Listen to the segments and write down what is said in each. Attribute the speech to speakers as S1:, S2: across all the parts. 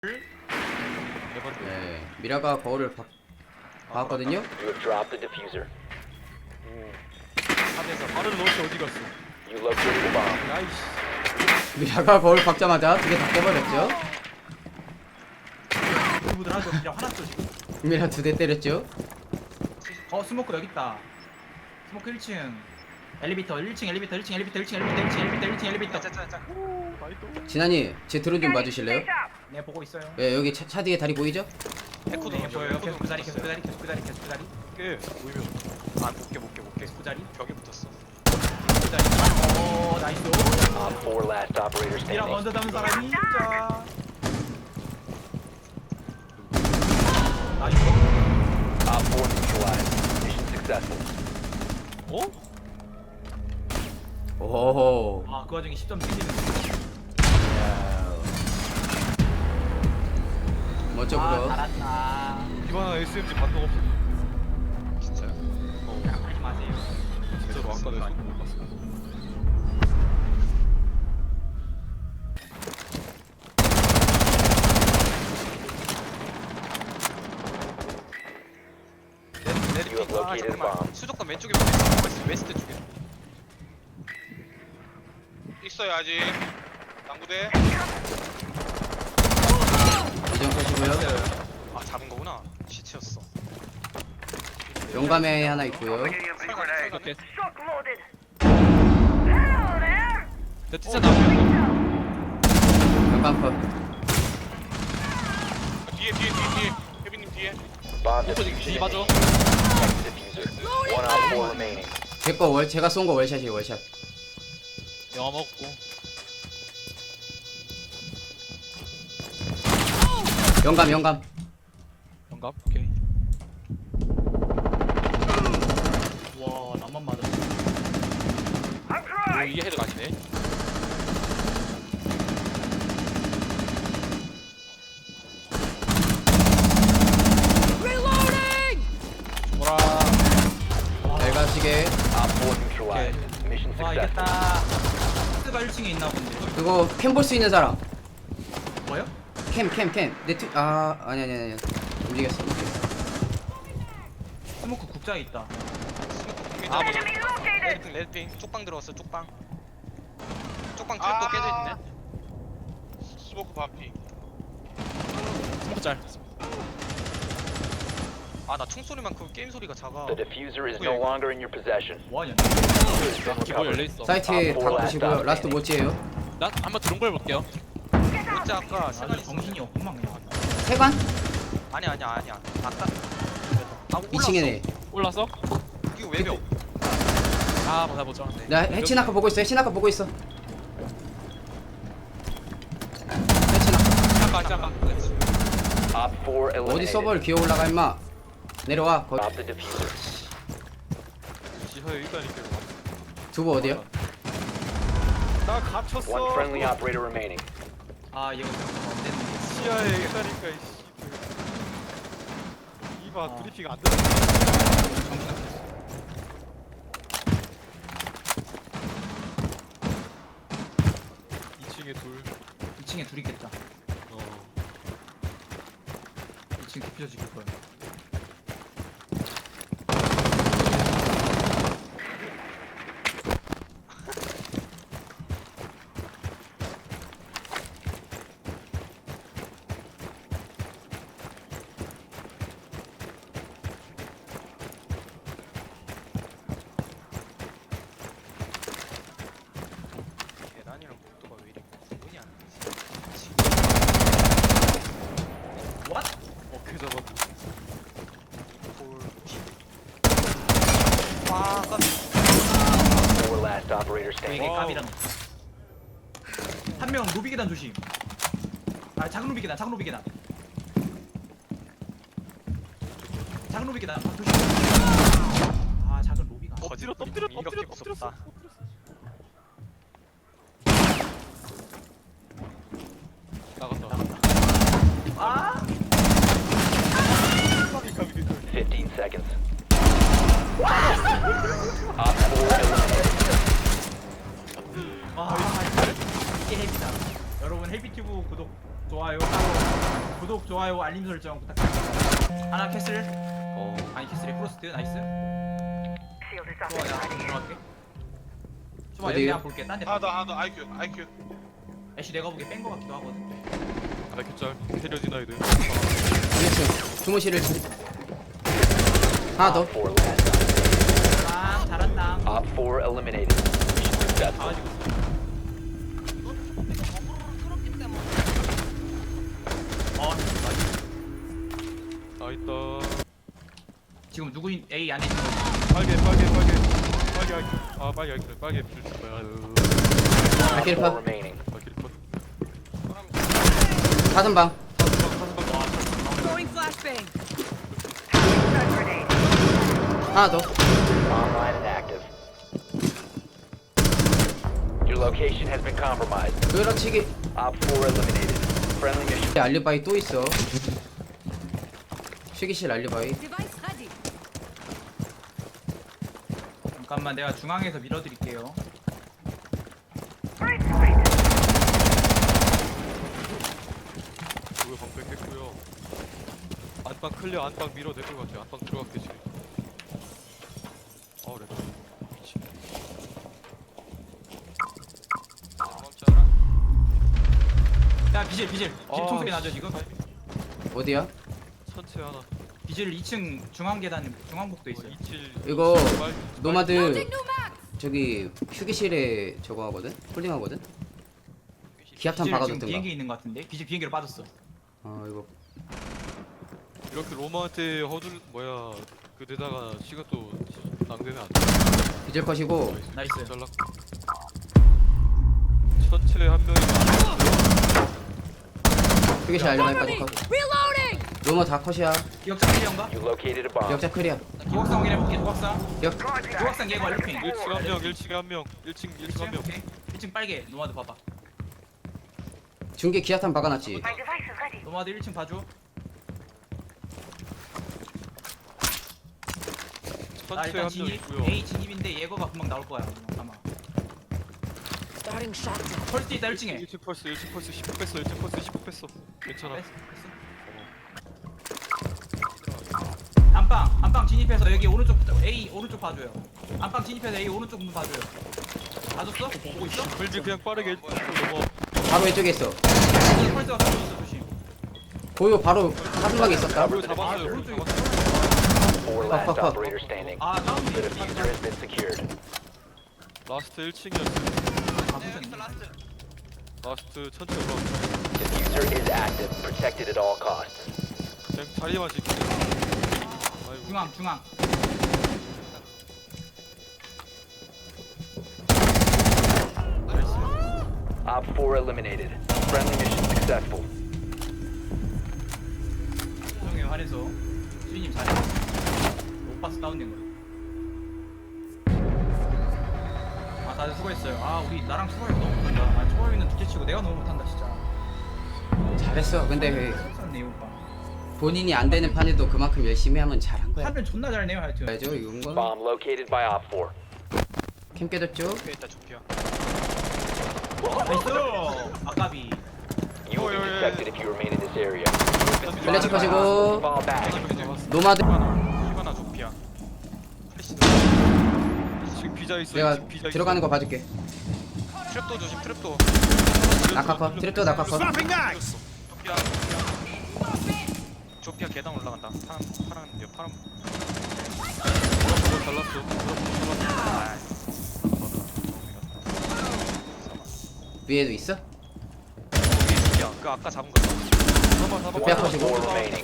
S1: 네, 미라가 거울을 봤거든요.
S2: You have dropped the diffuser.
S3: 탑에서 빠른 로시 어디 갔어?
S2: You located the bomb.
S3: 야이씨.
S1: 미라가 거울 박자마자 두 개 다 깨버렸죠.
S4: 친구들 하죠. 그냥 화났어 지금.
S1: 미라 두 대 때렸죠.
S4: 스모크 여기 있다. 스모크 1층. 엘리베이터 1층 엘리베이터 1층 엘리베이터 1층 엘리베이터 1층 엘리베이터 1층 엘리베이터.
S3: 짜짜짜. 오, 마이도.
S1: 진아님 제 드론 좀 봐주실래요?
S4: 네 보고 있어요.
S1: 네, 여기 차 뒤에 다리 보이죠?
S3: 에코도
S4: 네 보여요. 계속 그 자리
S3: 붙었어.
S4: 계속 그 자리 계속 그 자리 계속 그 자리
S3: 꽤 보이면 못게
S4: 그 자리
S3: 벽에 붙었어.
S4: 그 자리. 오 나이스.
S2: Op 4 last operator
S4: 미라
S2: standing.
S4: 먼저 잡은 사람이 진짜. 나이스.
S2: Op 4 neutralized. Mission successful.
S3: 어?
S1: 오호.
S4: 아그 와중에 10점 챙기는.
S1: 멋져
S4: 아
S1: 보여.
S4: 잘한다.
S3: 이번에 SMG 반동 없어. 진짜요?
S4: 그냥 하지 마세요.
S3: 진짜로 아까 내가 손못 봤어.
S2: You have located a bomb.
S5: 수족관 왼쪽에 보면 웨스트 쪽에 있어요 아직 당구대.
S1: 이정하시고요.
S5: 아 잡은 거구나. 시체였어.
S1: 용감에 하나 있고요.
S5: 설계.
S3: 내 티자 나오면
S1: 용감퍼.
S5: 뒤에 혜빈님 뒤에.
S2: Bomb
S3: 뒤
S2: diffusion
S3: 맞아.
S2: initiated. Diffuser. One Op 4 remaining.
S1: 제가 쏜 거 월샷이에요, 월샷.
S3: 영화 먹고.
S1: 영감.
S3: 영갑. 오케이.
S4: 와 나만 맞았어.
S3: 오, 이게 헤드가 아니네. 뭐라.
S1: 잘 가시게.
S2: Op 4 neutralized. Mission
S4: 와
S2: successful.
S4: 이겼다. 스가 1층에 있나 본데.
S1: 그거 캠 볼 수 있는 사람.
S4: 뭐요?
S1: 캠. 아니. 움직였어.
S4: 스모크 국자에 있다.
S5: 아 맞아. 레드핑 쪽방 들어왔어 쪽방. 쪽방 트랩도 깨져 있네. 스모크 반피.
S3: 스모크 짤.
S5: 아나 총소리만큼 게임 소리가 작아.
S2: The diffuser is no longer in your possession.
S4: 뭐하냐?
S3: 기본 열려 있어.
S1: 사이트에 다 보시고요. 라스트 모찌예요.
S3: 나 한번 드론 걸 볼게요.
S5: 진짜 아까 세간
S4: 아주
S5: 있어.
S4: 정신이 없구만 그냥.
S1: 세관?
S5: 아니야. 아까. 아
S1: 2층이네.
S3: 올라서?
S5: 이거 외벽.
S3: 아, 보자. 네.
S1: 나 해치나카 보고 있어. 해치나카 보고 있어. 해치나카.
S3: 잠깐.
S2: Op 4
S1: 어디
S2: eliminated.
S1: 서버를 기어 올라가 임마. 내려와. 거기.
S2: Drop the diffuser.
S3: 지하에 있다니까.
S1: 두부 어디요?
S3: 나 갇혔어.
S2: One friendly operator remaining.
S4: 아 얘가 생각보다 안 되는데.
S3: 지하에 있다니까 이씨. 이봐
S4: 아.
S3: 브리핑 안 돼. 이층에 둘.
S4: 2층에 둘 있겠다.
S3: 어.
S4: 2층 디퓨저 지킬 거야.
S5: 계단이랑 복도가 왜 이렇게 구분이 안 되지?
S4: What?
S3: 오케이 잡았.
S5: 와, 깜
S2: 4 last operator
S4: 되게
S2: standing.
S4: 갑이랑. 한명 루비 계단 조심. 아 작은 루비 계단. 작은 루비 계단. 아, 조심. 아 작은 로비가.
S3: 엎드려
S5: 이렇게 무섭다.
S3: 나갔다.
S4: 아
S2: 15 seconds. Op 4 eliminated.
S4: 아, 이게 헬비다. 여러분 헬비튜브 구독, 좋아요. 구독, 좋아요, 알림 설정 부탁드립니다. 하나 캐슬.
S3: 어.
S4: 아니 캐슬이 프로스트. 나이스. 좋아, 야 들어갈게. 좋아, 여기
S1: 어디요?
S4: 한번 볼게. 딴데
S6: 하나 더 IQ.
S4: 애쉬 내가 보기에 뺀거 같기도 하거든.
S3: 알겠짤. 테려진 아이들.
S1: 1층 주무실 1층 하나 더
S2: Op 4 last op-
S4: 아, 잘한다.
S2: Op 4 eliminated. Mission successful.
S4: 가가지고
S3: 아 있다.
S4: 지금 누구 A 안에 있는 거?
S3: 빨개. 아 빨개 아이들. 빨개 불.
S1: 발길
S2: 4
S1: 파
S2: remaining.
S3: 빨개 컷.
S1: 사선방
S7: Throwing flashbang.
S1: 하나 더
S2: Online and active. Your location has been compromised.
S1: 그렇지기
S2: Op 4 eliminated. Friendly mission.
S1: 알리바이 또 있어 휴게실 알리바이
S7: Device ready.
S4: 잠깐만 내가 중앙에서 밀어드릴게요.
S3: 그거 방패했고요. 안방 클리어 안방 밀어 내것 같아. 안방 들어갈게 지금. 그래. 미친.
S4: 야 비질 비질 총소리 나죠 지금?
S1: 어디야?
S3: 천체 하나.
S4: 비질 2층 중앙 계단 중앙복도 있어요.
S3: 27.
S1: 이거
S3: 빨-
S1: 노마드
S7: Loading new max.
S1: 저기 휴게실에 저거 하거든? 홀딩하거든? 기압탄
S4: 비질 지금
S1: 박아뒀던가
S4: 비행기 있는 거 같은데? 비질 비행기로 빠졌어.
S1: 아 이거
S3: 이렇게 로마한테 허들 뭐야 그데다가 시간도 낭비면 안 돼.
S1: 비질 컷이고
S4: 나이스.
S3: 잘랐고. 천체 한 명이
S1: 휴게실 알리바이 빠져 컷
S7: Reloading.
S1: 로마 다 컷이야
S4: 기억상 클리어인가?
S2: You located a bomb.
S1: 기억자 클리어
S4: 기억상 확인해볼게. 조각상.
S1: 기억
S4: 조각상 개거 알루핑.
S3: 1층 한 명, 1층에 한 명, 1층 한 명.
S4: 오케이. 1층 빨개. 노마드 봐봐.
S1: 중계 기압탄 박아놨지
S4: 노마드 1층 봐줘. 나
S3: 천체
S4: 일단
S3: 한 명
S4: 진입.
S3: 있고요.
S4: A 진입인데 예거가 금방 나올 거야. 아마.
S7: Starting shotgun.
S4: 펄스 있다 1층에.
S3: 1층 펄스, 1층 펄스 10 뺐어, 1층 펄스 10 뺐어. 괜찮아.
S4: 안방 진입해서 여기 오른쪽 A 오른쪽 봐줘요. 안방 진입해서 A 오른쪽 문 봐줘요. 봐줬어? 보고 있어?
S3: 불지 그냥 빠르게 넘어.
S1: 바로 왼쪽에 있어
S4: 펄스가 잡고 있어 조심.
S1: 보여 바로 사선방에 있었다
S3: 불 잡았어요. 불
S4: 오른쪽에
S3: 잡았어요.
S2: 4 last
S1: fuck.
S2: operator standing.
S4: 아 다운이.
S2: The diffuser has been secured.
S3: 라스트 1층이었어.
S4: 아 무슨
S3: 라스트 천체 올라.
S2: Diffuser is active. Protected at all costs.
S3: 그냥 자리만 지키면. 아이고.
S4: 중앙.
S2: Op 4 eliminated. Friendly mission successful.
S4: 조용히 화내서 수인님 잘해. 오빠스 다운된 거. 아 다들 수고했어요. 아 우리 나랑 초밥이 너무 못한다. 아 초밥이는 두째 치고 내가 너무 못한다 진짜.
S1: 잘했어 근데
S4: 네 오빠.
S1: 본인이 안 되는 판에도 그만큼 열심히 하면 잘한 거야
S4: 하면 존나 잘네요 하여튼.
S1: 알죠 이건 건
S2: Bomb located by Op 4.
S1: 캠 깨졌죠?
S5: 있다 좁혀.
S4: 나이스. 아까비.
S2: You will be detected if you remain in this area.
S1: 플래치 컷이고
S2: Fall back.
S1: 노마드
S5: 이거나 좁혀.
S3: 지금 비자 있어.
S1: 내가
S3: 지금 비자
S1: 들어가는
S3: 있어.
S1: 거 봐줄게
S5: 트랩도 조심 트랩도.
S1: 낙하컷 트랩도 낙하컷
S5: 좁혀. 좁혀 계단 올라간다. 파란
S3: 잘랐어.
S1: 위에도 있어?
S5: 좁혀. 그 아까 잡은 거.
S1: 옆에 컷이고
S2: 4 remaining.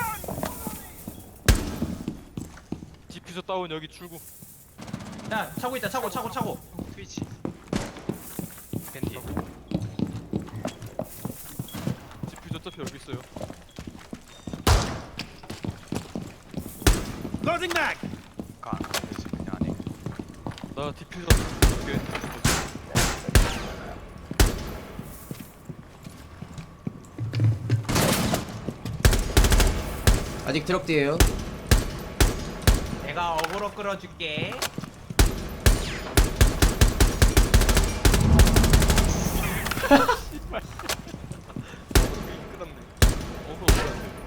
S3: 디퓨저 다운 여기 출구.
S4: 야 차고 있다 차고.
S5: 트위치. 밴디.
S3: 디퓨저 어차피 여기 있어요.
S5: 안 되지 그냥 안에.
S3: 나 디퓨저 줄게.
S1: 아직 트럭 뒤에요
S4: 내가 어그로 끌어줄게.
S3: 끝났네. 어서.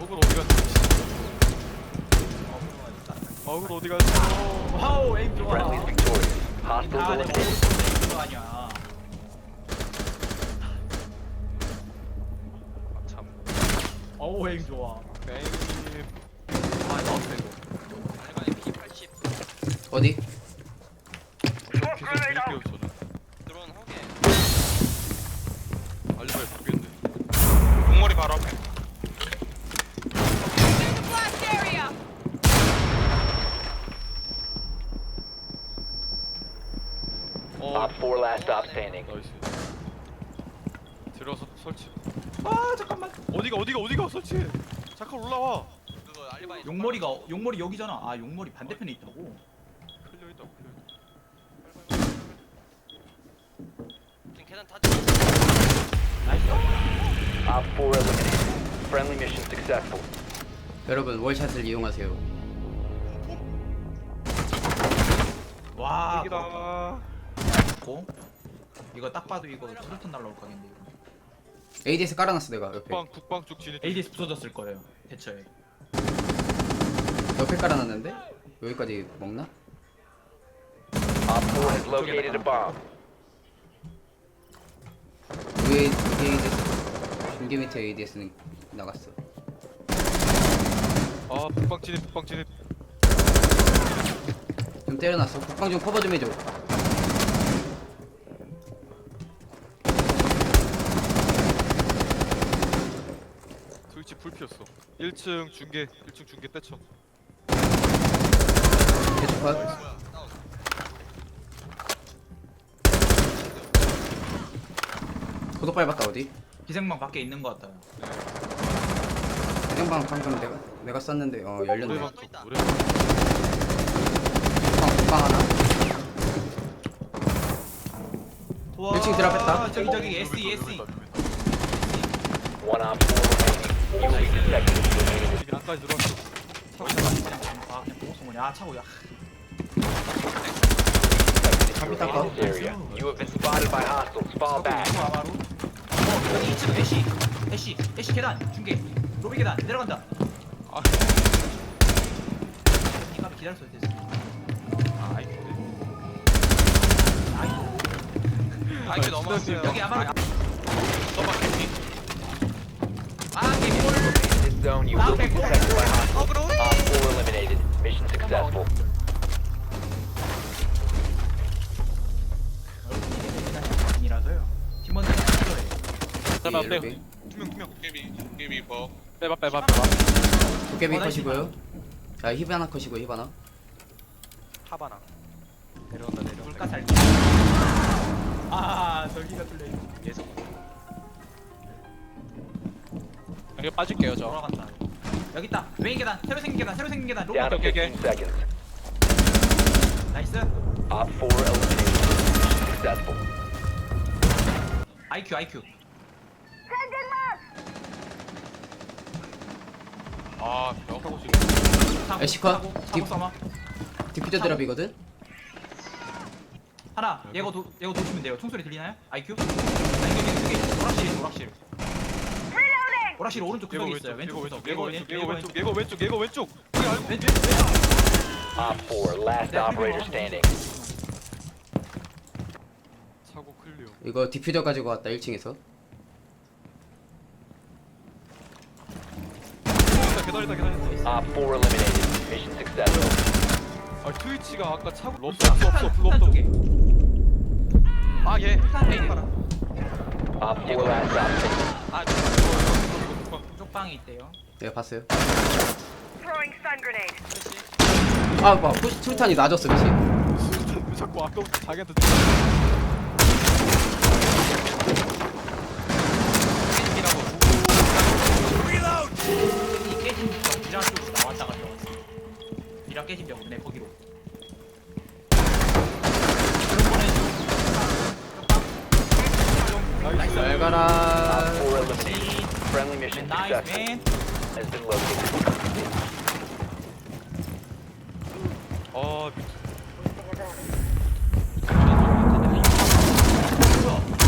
S3: 어글 어디 갔어? 어글 어디 갔어?
S4: 와우 에임 좋아.
S2: Friendly's victorious. Hostiles
S4: 다 내가
S2: eliminated.
S4: 어디서 아니야.
S5: 참.
S4: 어우 에임 좋아.
S3: 게임.
S4: 아 나왔어 이거.
S5: 알바니 P80
S1: 어디?
S3: 계속 밀게요 저는.
S5: 드론 호게.
S3: 알리바이 바뀌었네.
S5: 공머리 바로 앞에.
S7: There's a blast area.
S3: 어,
S2: Op 4 last stop standing.
S3: 나이스. 들어서 설치.
S4: 아 잠깐만.
S3: 어디가 설치. 잠깐 올라와.
S5: 그거 알바니.
S4: 용머리 여기잖아. 아 용머리 반대편에 있다고.
S3: 클리어 있다.
S5: 지금 계단 다
S4: 나이스.
S2: Op 4 eliminated. Friendly mission successful.
S1: 여러분 월샷을 이용하세요.
S4: 와.
S3: 여기다.
S4: 고. 이거 딱 봐도 이거 수류탄 날라올 가겠네. 이거.
S1: ADS 깔아놨어 내가 옆에.
S3: 북방 쪽 진입.
S4: ADS 부서졌을 거예요. 대처에.
S1: 옆에 깔아놨는데 여기까지 먹나?
S2: Op 4 has located a bomb.
S1: 위에 ADS 중계 밑에 ADS는 나갔어.
S3: 아 북방 진입.
S1: 좀 때려놨어. 국방 좀 커버 좀 해줘.
S3: 스위치 불 피었어. 1층 중계 떼쳐.
S1: 대충 컷. 고독 밟았다 어디?
S4: 기생방 밖에 있는 것 같아요.
S1: 해경방 방금 내가 썼는데 열렸네.
S3: 노래방 쪽.
S1: 국방 하나.
S4: 와,
S1: 1층 드랍했다.
S4: 저기 SE.
S2: One Op 4 remaining. 60 seconds remaining.
S3: 지금 안까지 들어왔어.
S4: 그냥 보고 소문이. 아 차고야.
S1: 카피
S2: In
S1: 닦아.
S2: this area. You have been spotted by hostiles. Fall back.
S4: 아마루. 여기 2층 애쉬 계단 중계. 로비 계단 내려간다.
S3: 아.
S4: 니가 기다렸어야 됐어.
S3: 아 아이인데.
S5: 아이큐 넘어왔어요.
S4: 여기 아마루.
S5: 너만 개피.
S4: 아 개골.
S2: In this zone, you will be detected by hostiles.
S5: 어그로.
S2: Op 4 eliminated. Mission successful.
S4: 이라서요. 팀원들 필요해.
S3: 잠깐만 빼.
S1: 이렇게.
S3: 투명.
S5: 깨비 버.
S3: 빼봐.
S1: 도깨비
S4: 원하시면
S1: 컷이고요. 자 힙 하나 컷이고 힙 하나.
S5: 하바나. 내려온다.
S4: 물가 살기. 아 저기가 뚫려 있어.
S5: 계속.
S3: 여기 빠질게요 저.
S4: 돌아간다. 여기 있다. 웨인 계단. 새로 생긴 계단. 로비.
S2: Down to
S3: Okay,
S2: 15 seconds.
S4: 나이스.
S2: Op 4 eliminated. Mission successful.
S4: IQ.
S3: 아 명하고 싶.
S1: 애쉬컷.
S4: 사고 써마.
S1: 디퓨저 드랍이거든.
S4: 하나. 얘거 도시면 돼요. 총소리 들리나요? IQ? 여기 오락실. 오락실 오른쪽
S3: 얘가
S4: 구석에 있어요. 왼쪽 구석.
S3: 얘가 왼쪽.
S4: 왼쪽.
S2: Op 4 last operator standing.
S3: 차고 클리어.
S1: 이거 디퓨저 가지고 왔다 1층에서.
S3: 계단이다.
S2: Op 4 eliminated. Mission successful.
S3: 아 트위치가 아까 차고 없어.
S4: 폭탄 쪽에.
S5: 아 얘. 에이 봐라.
S2: Op 4 last stop standing.
S5: 아
S4: 쪽 방에 있대요.
S1: 내가 봤어요.
S7: Throwing stun grenade.
S1: 아, 봐. 수류탄이 낮았어, 그치?
S3: 왜 자꾸 아까부터 자기한테
S4: 이 깨진 벽 미라 쪽으로 나왔다가 들어갔어. 미라 깨진 벽이네 거기로. 그럼 보내줘. 나이스.
S1: 잘 가라.
S2: Op 4 eliminated. Friendly mission
S4: 나이스
S2: successful.
S4: 맨.
S2: Has been located.
S3: 아 미친.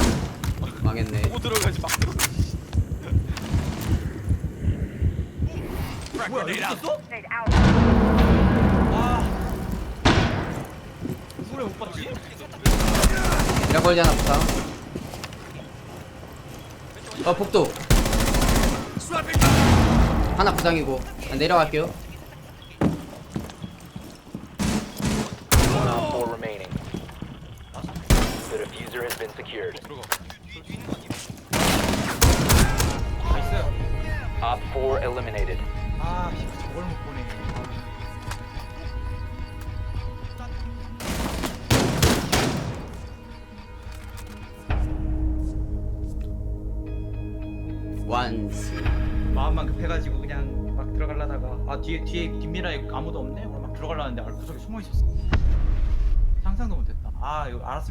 S1: 망했네.
S3: 못 들어가지 막.
S4: 뭐야 여기 있었어?
S7: Grenade out.
S4: 아 소리 못 봤지?
S1: 미라걸리 하나 부상. 복도. 하나 부상이고. 내려갈게요.
S2: One Op 4 remaining. The diffuser has been secured.
S3: 들어가.
S4: 나이스.
S2: Op 4 eliminated.
S4: 아 저걸 못 보네.
S1: 완스.
S4: 마음만 급해가지고 그냥 막 들어가려다가 아 뒤에 뒷미라에 아무도 없네? 오늘 막 들어가려는데 구석에 숨어 있었어. 상상도 못했다. 아 이거 알았으면.